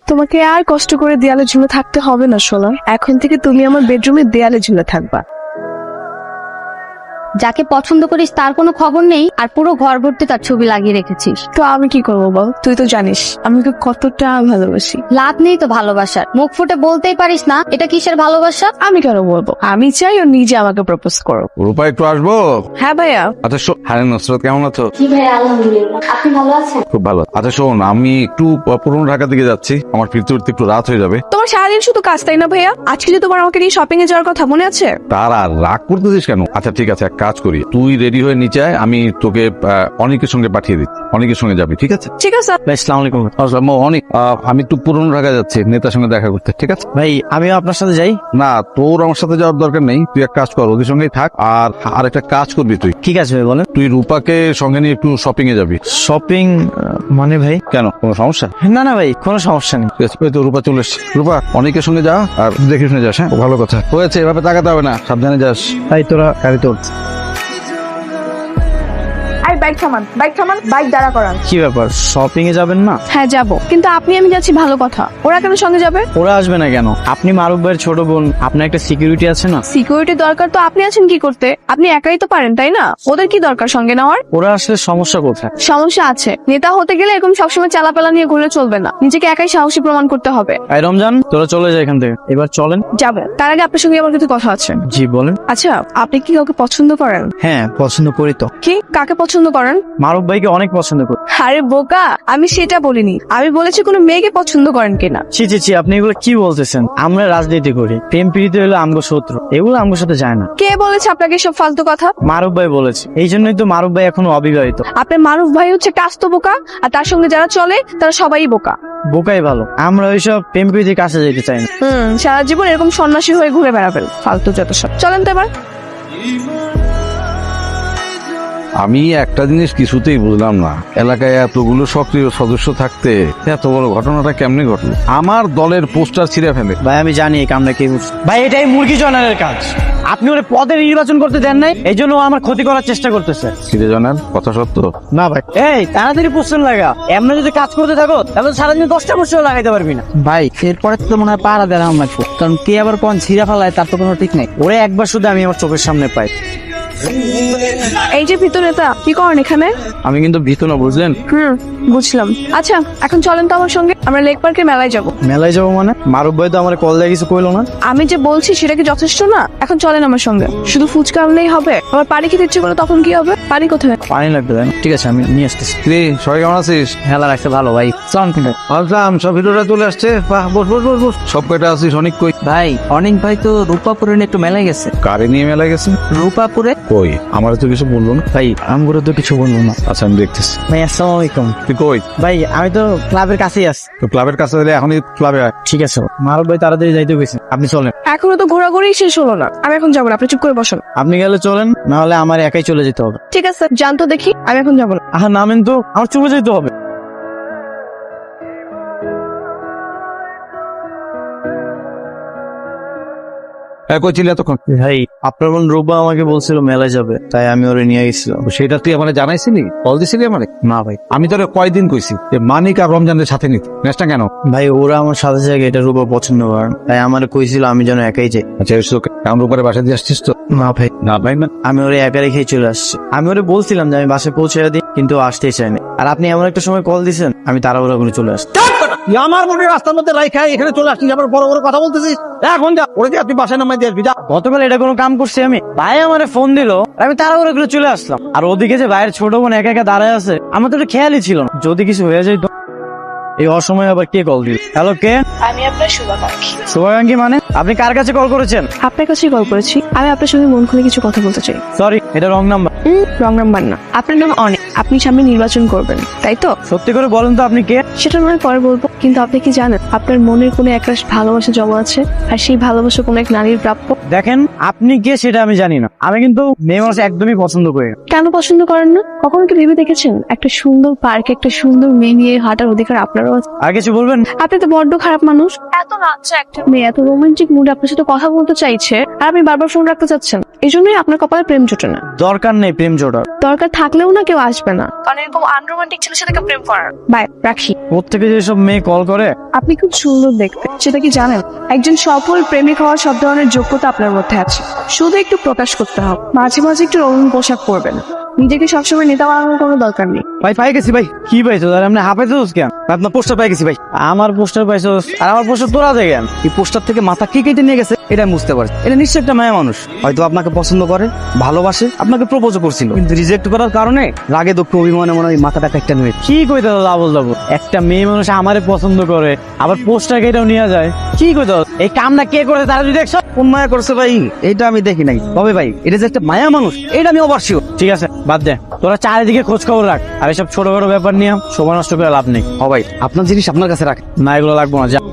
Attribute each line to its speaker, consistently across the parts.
Speaker 1: তোমাকে আর কষ্ট করে দেয়ালে ঝুলে থাকতে হবে না সোনা, এখন থেকে তুমি আমার বেডরুমে দেয়ালে ঝুলে থাকবা।
Speaker 2: যাকে পছন্দ করিস তার কোনো খবর নেই, আর পুরো ঘর ভর্তি তার ছবি লাগিয়ে রেখেছিস।
Speaker 1: তো আমি কি করবো বল, তুই তো জানিস আমি তোকে কতটা ভালোবাসি।
Speaker 2: লাভ নেই তো ভালোবাসার, মুখ ফুটে বলতেই পারিস না এটা কিসের ভালোবাসা।
Speaker 1: আমি কেন বলবো, আমি চাই ও নিজে আমাকে প্রপোজ করো।
Speaker 3: রূপা একটু আসবো?
Speaker 1: হ্যাঁ ভাইয়া।
Speaker 3: আচ্ছা হ্যাঁ নুসরাত কেমন আছো?
Speaker 2: জি ভাই আলহামদুলিল্লাহ, আপনি ভালো আছেন?
Speaker 3: খুব ভালো। আচ্ছা শোন, আমি একটু পুরনো ঢাকা দিকে যাচ্ছি, আমার ফিরতে উঠতে একটু রাত হয়ে যাবে।
Speaker 1: তোমার সারাদিন শুধু কাজ তাই না ভাইয়া? আজকে যে তোমার আমাকে নিয়ে শপিং এ যাওয়ার কথা মনে আছে?
Speaker 3: তার আর রাগ করতেছিস কেন? আচ্ছা ঠিক আছে, এক কাজ করি, তুই রেডি হয়ে নিচে আয়, আমি তোকে অনেকের সঙ্গে পাঠিয়ে দিচ্ছি, অনেকের সঙ্গে যাবি, ঠিক আছে?
Speaker 1: ঠিক আছে।
Speaker 4: আসসালামু আলাইকুম।
Speaker 3: আসসালাম। অনেক আমি একটু পুরনো ঢাকা যাচ্ছি নেতার সঙ্গে দেখা করতে, ঠিক আছে?
Speaker 4: ভাই আমিও আপনার সাথে যাই।
Speaker 3: না, তোর আমার সাথে যাওয়ার দরকার নেই, তুই এক কাজ কর, ওদের সঙ্গেই থাক। আর একটা কাজ করবি তুই,
Speaker 4: ঠিক আছে ভাই বলেন।
Speaker 3: তুই রূপাকে সঙ্গে নিয়ে একটু শপিং এ যাবি।
Speaker 4: শপিং মানে ভাই?
Speaker 3: কেন, কোনো সমস্যা?
Speaker 4: না না ভাই, কোনো সমস্যা নেই।
Speaker 3: ঠিক আছে, ওই তো রূপা চলে এসছে। রূপা অনেকের সঙ্গে যা, আর দেখে শুনে যাস। হ্যাঁ, ভালো কথা হয়েছে, এভাবে তাকাতে হবে না, সাবধানে যাস।
Speaker 4: ভাই তোরা গাড়িতে উঠ।
Speaker 1: আই বাইক থামান, বাইক থামান, বাইক দাঁড়া করান।
Speaker 4: কি ব্যাপার, শপিং এ যাবেন না?
Speaker 1: হ্যাঁ যাবো, কিন্তু আপনি আমি যাচ্ছি ভালো কথা, ওরা কেন সঙ্গে যাবে?
Speaker 4: ওরা আসবে না কেন? আপনি মারুফ ভাইয়ের ছোট বোন, আপনার একটা সিকিউরিটি আছে না?
Speaker 1: সিকিউরিটি দরকার তো আপনি আছেন কি করতে? আপনি একাই তো পারেন তাই না? ওদের কি দরকার সঙ্গে নেওয়ার?
Speaker 4: ওরা আসলে সমস্যা কোথায়?
Speaker 1: সমস্যা আছে, নেতা হতে গেলে এরকম সবসময় চালাপালা নিয়ে ঘুরে চলবে না, নিজেকে একাই সাহসী প্রমাণ করতে হবে।
Speaker 4: এই রমজান, তোরা চলে যায় এখান থেকে, এবার চলেন।
Speaker 1: যাবে, তার আগে আপনার সঙ্গে আমার কিছু কথা আছে।
Speaker 4: জি বলেন।
Speaker 1: আচ্ছা, আপনি কি কাউকে পছন্দ করেন?
Speaker 4: হ্যাঁ পছন্দ করি তো।
Speaker 1: কি, কাকে পছন্দ করেন?
Speaker 4: মারুফ ভাইকে অনেক পছন্দ করি।
Speaker 1: আরে বোকা, আমি সেটা বলিনি, আমি বলেছি কোনো মেয়েকে পছন্দ করেন কিনা।
Speaker 4: ছি ছি ছি, আপনি এগুলো কি বলতেছেন? আমরা রাজনীতি করি, প্রেম প্রীতি হলো আমগো শত্রু, এগুলো আমগোর সাথে যায় না।
Speaker 1: কে বলেছে আপনাকে সব ফালতু কথা?
Speaker 4: মারুফ ভাই বলেছে, এই জন্যই তো মারুফ ভাই এখনো অবিবাহিত।
Speaker 1: আপনার মারুফ ভাই হচ্ছে একটা আস্ত বোকা, আর তার সঙ্গে যারা চলে তারা সবাই বোকা।
Speaker 4: বোকাই ভালো, আমরা ওইসব প্রেম প্রীতির কাছে যেতে চাই না।
Speaker 1: সারা জীবন এরকম সন্ন্যাসী হয়ে ঘুরে বেড়াবেন, ফালতু যত সব। চলেন তো এবার।
Speaker 3: আমি একটা জিনিস কিছুতেই বুঝলাম না, এলাকায় এতগুলো সক্রিয় সদস্য থাকতে এত বড় ঘটনাটা কেমনে ঘটলো? আমার দলের পোস্টার ছিঁড়ে ফেলে।
Speaker 4: ভাই আমি জানি এই কামটা কে করছে। ভাই এটাই মুরগি জনারের কাজ। আপনি ওরে পদে নির্বাচন করতে দেন নাই, এই জন্য ও আমার ক্ষতি করার চেষ্টা করতেছে।
Speaker 3: ছিঁড়ে জানার কথা সত্য?
Speaker 4: না ভাই, এই তাড়াতাড়ি পোস্টার লাগা, এমনি যদি কাজ করতে থাকো তাহলে সারাদিন 10টা পোস্টার লাগাইতে পারবি না।
Speaker 5: ভাই এরপরে তো মনে হয় পাড়া দেওয়া লাগবে, কারণ কে আবার কোন ছিঁড়া ফেলায় তার তো কোনো ঠিক নাই।
Speaker 4: ওরে একবার শুধু আমি আমার চোখের সামনে পাই।
Speaker 1: এই যে ভিতর নেতা, কি করেন এখানে?
Speaker 4: আমি কিন্তু ভীত না, বুঝলেন?
Speaker 1: বুঝলাম। আচ্ছা এখন চলেন তো আমার সঙ্গে, আমরা লেক পার্কের মেলায় যাব।
Speaker 4: মেলায় যাবো মানে? মারুফ ভাই তো আমার কল দিয়ে কিছু কইলো না।
Speaker 1: আমি যে বলছি সেটা কি যথেষ্ট না? এখন চলেন আমার সঙ্গে। শুধু ফুচকা আনলেই হবে? আবার পানি খেতে ইচ্ছে করলে তখন কি হবে? পানি কোথায়?
Speaker 4: পানি লাগবে তাই না? ঠিক আছে আমি নিয়ে আসতেছি।
Speaker 3: রে সবাই কেমন আছিস?
Speaker 5: হেলা রাখছে ভালো ভাই। চল কিন্তু
Speaker 3: ভাবলাম সব ভিডিওটা চলে আসছে। বাহ, বস বস বস বস। সব কয়টা আছিস? অনেক কই?
Speaker 5: ভাই, অনেক ভাই তো রূপাপুরে নিয়ে একটু মেলায় গেছে।
Speaker 3: কারে নিয়ে মেলা গেছে?
Speaker 5: রূপাপুরে?
Speaker 3: কই, আমার তো কিছু বললো না।
Speaker 4: ভাই আমগুলো তো কিছু বলবো না।
Speaker 3: আচ্ছা আমি দেখতেছি।
Speaker 4: ভাই আসসালামু আলাইকুম।
Speaker 3: তুই কই?
Speaker 4: ভাই আমি তো ক্লাবের কাছেই আছি।
Speaker 3: তো ক্লাবের কাছে এলে এখনই ক্লাবে আয়।
Speaker 4: ঠিক আছে, মারুফ ভাই তাড়াতাড়ি যাইতে গেছে, আপনি চলেন।
Speaker 1: এখনো তো ঘোরাঘুরি শেষ হলো না, আমি এখন যাবো না, আপনি চুপ করে বসুন।
Speaker 4: আপনি গেলে চলেন, না হলে আমার একাই চলে যেতে হবে।
Speaker 1: ঠিক আছে, জান তো দেখি, আমি এখন যাবো না।
Speaker 4: আহা নামেন তো, আমার চলে যেতে হবে।
Speaker 3: কই ছিলি এতক্ষণ?
Speaker 4: ভাই আপনার বোন রূপা আমাকে বলছিল মেলায় যাবে, তাই আমি ওরে নিয়ে গেছিলাম।
Speaker 3: সেটা তুই আমার জানাইছিলি? কল দিছিলি আমারে?
Speaker 4: না ভাই।
Speaker 3: আমি তোরে কয়দিন কইছি যে মানিক আর রমজানের সাথে নিতে, নেসটা কেন?
Speaker 4: ভাই ওরা আমার সাথে জায়গায় এটা রূপা পছন্দ করে, তাই আমার কইছিল আমি যেন একাই যাই।
Speaker 3: আচ্ছা কেমন উপরে বাসা দিয়ে আসছিস তো?
Speaker 4: না ভাই,
Speaker 3: না ভাই না,
Speaker 4: আমি ওরে একা রেখেই চলে আসছি। আমি ওরে বলছিলাম যে আমি বাসে পৌঁছে দিই, কিন্তু ও আসতেই চাইনি। আর আপনি এমন একটা সময় কল দিছেন, আমি তাড়াহুড়া করে চলে আসছি।
Speaker 3: আমার মনে রাস্তার মধ্যে রাইখা এখানে চলে আসছিস, আবার বড় বড় কথা বলতেছিস। এখন যা, ওরে যে আপনি বাসায় নামাই দিয়ে আসবি, যা।
Speaker 4: গতকাল এটা কোনো কাম করছি আমি? ভাই আমারে ফোন দিল, আমি তাড়াহুড়া করে চলে আসলাম। আর ওদিকে যে ভাইয়ের ছোট বোন একা একা দাঁড়ায় আছে, আমার তো এটা খেয়ালই ছিল না। যদি কিছু হয়ে যায় তো? এই অসময় আবার কে কল দিল? হ্যালো, কে?
Speaker 1: আমি আপনার শুভাকাঙ্ক্ষী।
Speaker 4: শুভাকাঙ্ক্ষী মানে? আপনি কার কাছে কল করেছেন?
Speaker 1: আপনার কাছেই কল করেছি, আমি আপনার সঙ্গে মন খুলে কিছু কথা বলতে চাই।
Speaker 4: সরি, এটা রং নাম্বার।
Speaker 1: রং নাম্বার না, আপনার নাম অনেক, আপনি সামনে নির্বাচন করবেন তাই তো?
Speaker 4: সত্যি করে বলেন তো আপনি কে?
Speaker 1: সেটা নয় পরে বলবো, কিন্তু আপনি কি জানেন আপনার মনের কোনো একরাশ ভালোবাসা জমা আছে, আর সেই ভালোবাসা কোনো এক নারীর প্রাপ্য?
Speaker 4: দেখেন আপনি কে সেটা আমি জানি না, আমি কিন্তু মেয়ে মানুষ একদমই পছন্দ করি না।
Speaker 1: কেন পছন্দ করেন না? কখনো কি ভেবে দেখেছেন একটা সুন্দর পার্কে একটা সুন্দর মেয়ে নিয়ে হাঁটার অধিকার আপনারও আছে?
Speaker 4: আর কিছু বলবেন?
Speaker 1: আপনি তো বড্ড খারাপ মানুষ। এত বাচ্চা একটা মেয়ে এত রোমান্টিক মুডে আপনার সাথে কথা বলতে চাইছে আর আপনি বারবার ফোন রাখতে চাচ্ছেন। এই জন্যই আপনার কপালে প্রেম জোটে না।
Speaker 4: দরকার নেই প্রেম জোটার।
Speaker 1: দরকার থাকলেও না কেউ আসবে না, কারণ এরকম আনরোমান্টিক ছেলের সাথে কেউ প্রেম করার। বাই, রাখি।
Speaker 4: প্রত্যেকে যেসব মেয়ে কল করে।
Speaker 1: আপনি খুব সুন্দর দেখতে, সেটা কি জানেন? একজন সফল প্রেমিক হওয়ার সব ধরনের যোগ্যতা আপনার মধ্যে আছে, শুধু একটু প্রকাশ করতে হবে। মাঝে মাঝে একটু রঙিন পোশাক পরবেন, নিজেকে সবসময় নেতা বানানোর কোনো দরকার নেই।
Speaker 4: ভাই পাই গেছি ভাই। কি পাইছো? আর আপনি হাঁপাইছোস কেন? আপনার পোস্টার পাই গেছি ভাই। আমার পোস্টার পাইছোস আর আমার পোস্টার তোরা দেয় কেন?
Speaker 5: এই পোস্টার থেকে মাথা কি কেটে নিয়ে গেছে এটা আমি বুঝতে পারছি। এটা নিশ্চয়ই একটা মায়া মানুষ, হয়তো আপনাকে পছন্দ করে, ভালোবাসে, আপনাকে প্রপোজ করছিল, কিন্তু রিজেক্ট করার কারণে রাগে দুঃখ অভিমানে মনে হয় মাথাটা একটা নিয়ে।
Speaker 4: কি কইতে আবল দাবো? একটা মেয়ে মানুষ আমারে পছন্দ করে আবার পোস্টার কেটেও নিয়ে যায়। কি কইতে? এই কামটা কে করেছে তারা যদি দেখছো?
Speaker 5: কোন মায়া করছে ভাই এটা আমি দেখি নাই, তবে ভাই এটা যে একটা মায়া মানুষ এটা আমি ওভার শিওর।
Speaker 4: ঠিক আছে বাদ দে, তোরা চারিদিকে খোঁজ খবর রাখ, আর এসব ছোটখাটো ব্যাপার নিয়ে সময় নষ্ট করে লাভ নেই।
Speaker 5: হ ভাই, আপনার জিনিস আপনার কাছে রাখ।
Speaker 4: না এগুলো লাগবো না, যা।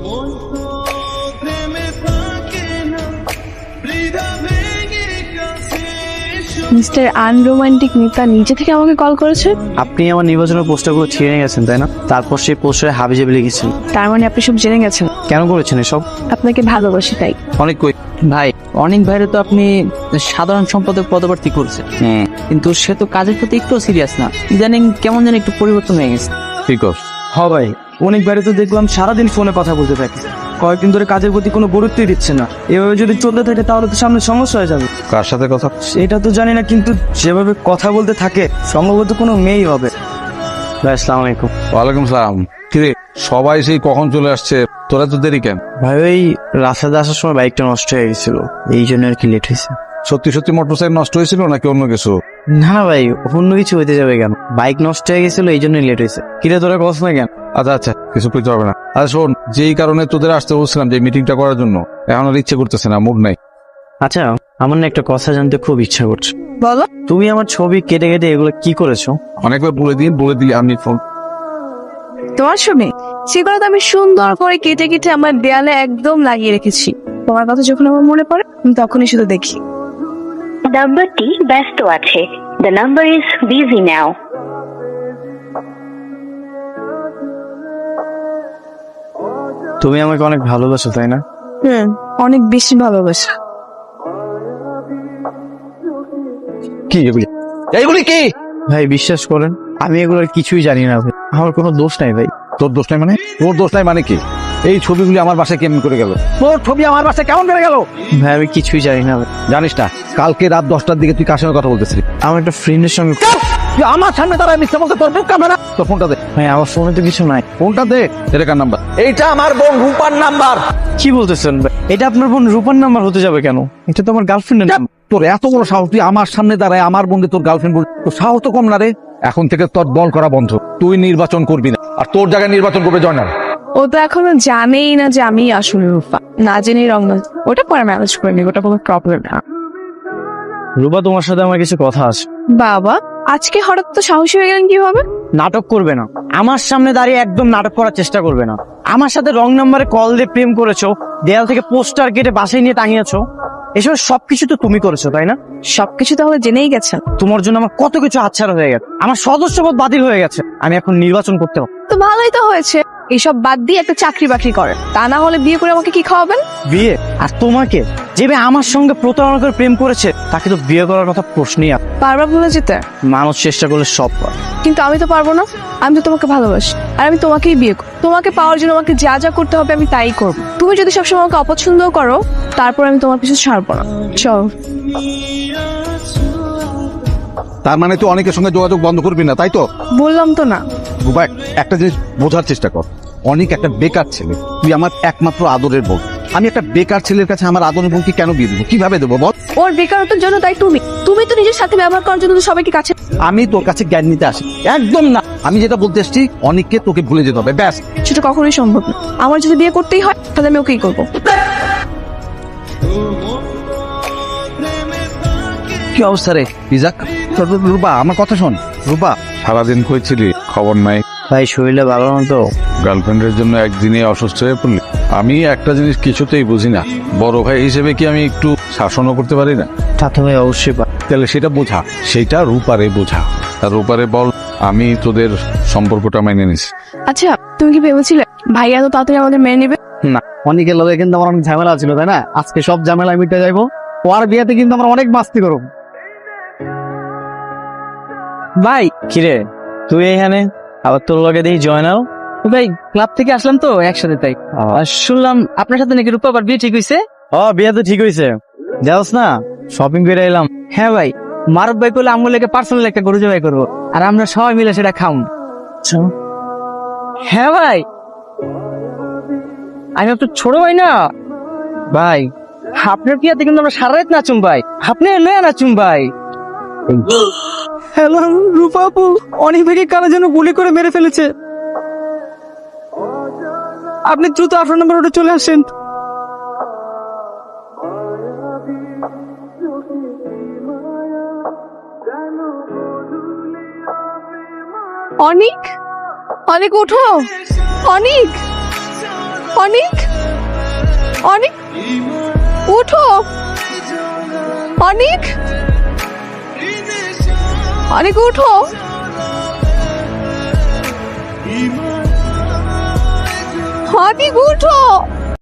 Speaker 1: মিস্টার আনরোমান্টিক নেতা নিজে থেকে আমাকে কল করেছে।
Speaker 4: আপনি আমার নির্বাচনের পোস্টারগুলো ছিঁড়ে গেছেন তাই না? তারপর সেই পোস্টারে হাবিজাবি লিখেছেন।
Speaker 1: তার মানে আপনি সব জেনে গেছেন।
Speaker 4: কেন করেছেন এসব?
Speaker 1: আপনাকে ভালোবাসি তাই।
Speaker 3: অনেক কই
Speaker 5: ভাই অনেক ভাইরে তো আপনি সাধারণ সম্পাদক পদপ্রার্থী করছেন, কিন্তু সে তো কাজের প্রতি একটু সিরিয়াস না, ইদানিং কেমন যেন একটু পরিবর্তন হয়ে গেছে।
Speaker 3: ঠিক আছে।
Speaker 5: হ ভাই, অনেক বাইরে তো দেখলাম সারাদিন ফোনে কথা বলতে থাকে, কয়েকদিন ধরে কাজের প্রতি কোনো গুরুত্বই দিচ্ছে না। এভাবে যদি চলতে থাকে তাহলে তো সামনে সমস্যা হয়ে যাবে।
Speaker 3: কার সাথে কথা?
Speaker 5: সেটা তো জানি না, কিন্তু যেভাবে কথা বলতে থাকে সম্ভবত কোনো মেয়েই হবে।
Speaker 4: ভাই আসসালামু আলাইকুম।
Speaker 3: ওয়ালাইকুম সালাম। কিরে সবাই সেই কখন চলে আসছে, তোরা তো দেরি কেন?
Speaker 4: ভাই ওই রাস্তাতে আসার সময় বাইকটা নষ্ট হয়ে গেছিল, এই জন্য আর কি লেট হয়েছে।
Speaker 3: সত্যি সত্যি মোটরসাইকেল নষ্ট হয়েছিল নাকি অন্য কিছু?
Speaker 4: না ভাই অন্য কিছু হইতে যাবে কেন, বাইক নষ্ট হয়ে গেছিল এই জন্যই লেট হয়েছে। কিরে তোরা কস না কেন?
Speaker 3: আচ্ছা আচ্ছা, কিছু কইতে হবে না। আচ্ছা শোন, যেই কারণে তোদের আসতে বলছিলাম যে মিটিংটা করার জন্য, এখন আর ইচ্ছে করতেছে না, মুড নাই।
Speaker 4: আচ্ছা আমার না একটা কথা জানতে খুব ইচ্ছা করছে।
Speaker 1: বলো।
Speaker 4: তুমি আমার ছবি কেটে কেটে এগুলো কি করেছো?
Speaker 3: অনেকবার বলে দিলি আমি ফোন।
Speaker 1: তোমার ছবি সেগুলো তো আমি সুন্দর করে কেটে কেটে আমার দেয়ালে একদম লাগিয়ে রেখেছি। তোমার কথা যখন আমার মনে পড়ে আমি তখনই শুধু দেখি।
Speaker 6: নাম্বারটি ব্যস্ত আছে। The number is busy now.
Speaker 4: তুমি আমাকে অনেক ভালোবাসো তাই না?
Speaker 1: অনেক বেশি ভালোবাসা।
Speaker 3: কি এইগুলি কি?
Speaker 4: ভাই বিশ্বাস করেন আমি এগুলোর কিছুই জানি না ভাই, আমার কোনো দোষ নাই ভাই।
Speaker 3: তোর দোষ নাই মানে? তোর দোষ নাই মানে কি? এই ছবিগুলি আমার বাসায় কেমন করে গেল? তোর ছবি আমার বাসায় কেমন করে গেল?
Speaker 4: ভাই আমি কিছুই জানি না ভাই।
Speaker 3: জানিস না কালকে রাত 10টার দিকে তুই কার সঙ্গে কথা বলতেছিলি?
Speaker 4: আমার একটা ফ্রেন্ডের সঙ্গে।
Speaker 3: তুই আমার সামনে দাঁড়ায় মিথ্যা বলতে তোর মুখ কামড়া। তোর ফোনটা দে।
Speaker 4: ভাই আমার ফোনে তো কিছু নাই।
Speaker 3: ফোনটা দে। এটা কার নাম্বার? এইটা আমার বোন রূপার নাম্বার।
Speaker 4: কি বলতেছেন ভাই? এটা আপনার বোন রূপার নাম্বার হতে যাবে কেন? এটা তো আমার গার্লফ্রেন্ডের নাম্বার।
Speaker 3: তোর এত বড় সাহস, তুই আমার সামনে দাঁড়ায় আমার বোনকে তোর গার্লফ্রেন্ড বল? তোর সাহস তো কম না রে। এখন থেকে তোর দল করা বন্ধ, তুই নির্বাচন করবি না, আর তোর জায়গায় নির্বাচন করবে জয়নাল।
Speaker 1: ও তো এখনো জানেই না যে আমি আসলে রূপা, না জেনেই রং। ওটা পরে ম্যানেজ করে নি, ওটা কোনো প্রবলেম না।
Speaker 4: রূপা তোমার সাথে আমার কিছু কথা আছে।
Speaker 1: বাবা আজকে হঠাৎ তো সাহসী হয়ে গেলেন কিভাবে?
Speaker 4: নাটক করবে না, আমার সামনে দাঁড়িয়ে একদম নাটক করার চেষ্টা করবে না। আমার সাথে রং নাম্বারে কল দিয়ে প্রেম করেছো, দেয়াল থেকে পোস্টার কেটে বাসায় নিয়ে টাঙিয়েছো, এসব সবকিছু তো তুমি করেছো তাই না?
Speaker 1: সবকিছু তাহলে জেনেই গেছেন।
Speaker 4: তোমার জন্য আমার কত কিছু হাতছাড়া হয়ে গেছে, আমার সদস্যপদ বাতিল হয়ে গেছে, আমি এখন নির্বাচন করতে হবে।
Speaker 1: তো ভালোই তো হয়েছে, এইসব বাদ দিয়ে একটা চাকরি বাকরি করেন, তা না হলে বিয়ে করে আমাকে কি খাওয়াবেন?
Speaker 4: বিয়ে? আর তোমাকে যে মেয়ে আমার সঙ্গে প্রতারণা করে প্রেম করেছে তাকে তো বিয়ে করার কথা প্রশ্নই আসে না।
Speaker 1: বারবার ভুলে যেতে।
Speaker 4: মানুষ চেষ্টা করলে সব পারে।
Speaker 1: কিন্তু আমি তো পারবো না, আমি তো তোমাকে ভালোবাসি, আর আমি তোমাকেই বিয়ে করব। তোমাকে পাওয়ার জন্য আমাকে যা যা করতে হবে আমি তাই করব। তুমি যদি সবসময় আমাকে অপছন্দ করো তারপর আমি তোমার পিছু ছাড়বো না। চল।
Speaker 3: তার মানে তুই অনেকের সঙ্গে যোগাযোগ বন্ধ করবি না তাই তো?
Speaker 1: বললাম তো না।
Speaker 3: রূপা একটা জিনিস বোঝার চেষ্টা কর, অনেক একটা বেকার ছেলে, তুই আমার একমাত্র আদরের বোন। আমি একটা বেকার ছেলের কাছে আমার আদরের বোনকে কেন বিয়ে দেবো? কিভাবে দেবো বল?
Speaker 1: ওর বেকারত্বের জন্য তাই তুমি তো নিজের সাথে ব্যবহার করার জন্য তো সবাইকে কাছে।
Speaker 3: আমি তোর কাছে জ্ঞান নিতে আসি একদম না। আমি যেটা বলতে এসছি অনেককে তোকে ভুলে যেতে হবে, ব্যাস।
Speaker 1: সেটা কখনোই সম্ভব না। আমার যদি বিয়ে করতেই হয় তাহলে আমি ওকেই করবো।
Speaker 3: কি অবস্থা রে? রূপা আমার কথা শোন। রূপা সারাদিন কইছিলি খবর নাই,
Speaker 4: ভাই শরীরটা ভালো না তো।
Speaker 3: গার্লফ্রেন্ডের জন্য একদিনে অসুস্থ হয়ে পড়লি। আমি একটা জিনিস কিছুতেই বুঝি না, বড় ভাই হিসেবে কি আমি একটু শাসনও করতে পারি না?
Speaker 4: তা তো ভাই অবশ্যই
Speaker 3: তাহলে সেটা বোঝা, সেটা রূপারে বোঝা। আর রূপারে বল আমি তোদের সম্পর্কটা মেনে নিছি।
Speaker 1: আচ্ছা, তুমি কি ভেবেছিলে ভাইয়া তো তাড়াতাড়ি আমাদের মেনে নেবে?
Speaker 5: না, অনেকের লগে কিন্তু আমার অনেক ঝামেলা ছিল, তাই না? আজকে সব ঝামেলা মিটে যাইবো। ওর বিয়েতে কিন্তু আমরা অনেক মাস্তি করব।
Speaker 4: ভাই কিরে তুই এখানে, আবার তোর লগে দেখি জয়নাল।
Speaker 5: ভাই ক্লাব থেকে আসলাম তো একসাথে, তাই আর শুনলাম আপনার সাথে নাকি রূপা আবার বিয়ে ঠিক হয়েছে।
Speaker 4: বিয়ে তো ঠিক হয়েছে, যাওস না শপিং করে এলাম।
Speaker 5: হ্যাঁ ভাই, মারুফ ভাই বলে আমগুলো পার্সোনাল একটা গরু জবাই করবো, আর আমরা সবাই মিলে সেটা খাউন। হ্যাঁ ভাই, আমি আপনার ছোট ভাই না ভাই। আপনার বিয়াতে কিন্তু আমরা সারা রাত নাচুম ভাই, আপনি লয়ে নাচুম ভাই। হ্যালো রূপা আপু, অনেক ভাইকে কারা যেন গুলি করে মেরে ফেলেছে। আপনি দ্রুত 18 নম্বর রোডে চলে আসেন।
Speaker 1: অনিক, অনিক উঠো, অনিক, অনিক, অনিক উঠো, অনিক, অনিক উঠো। অনিক উঠো।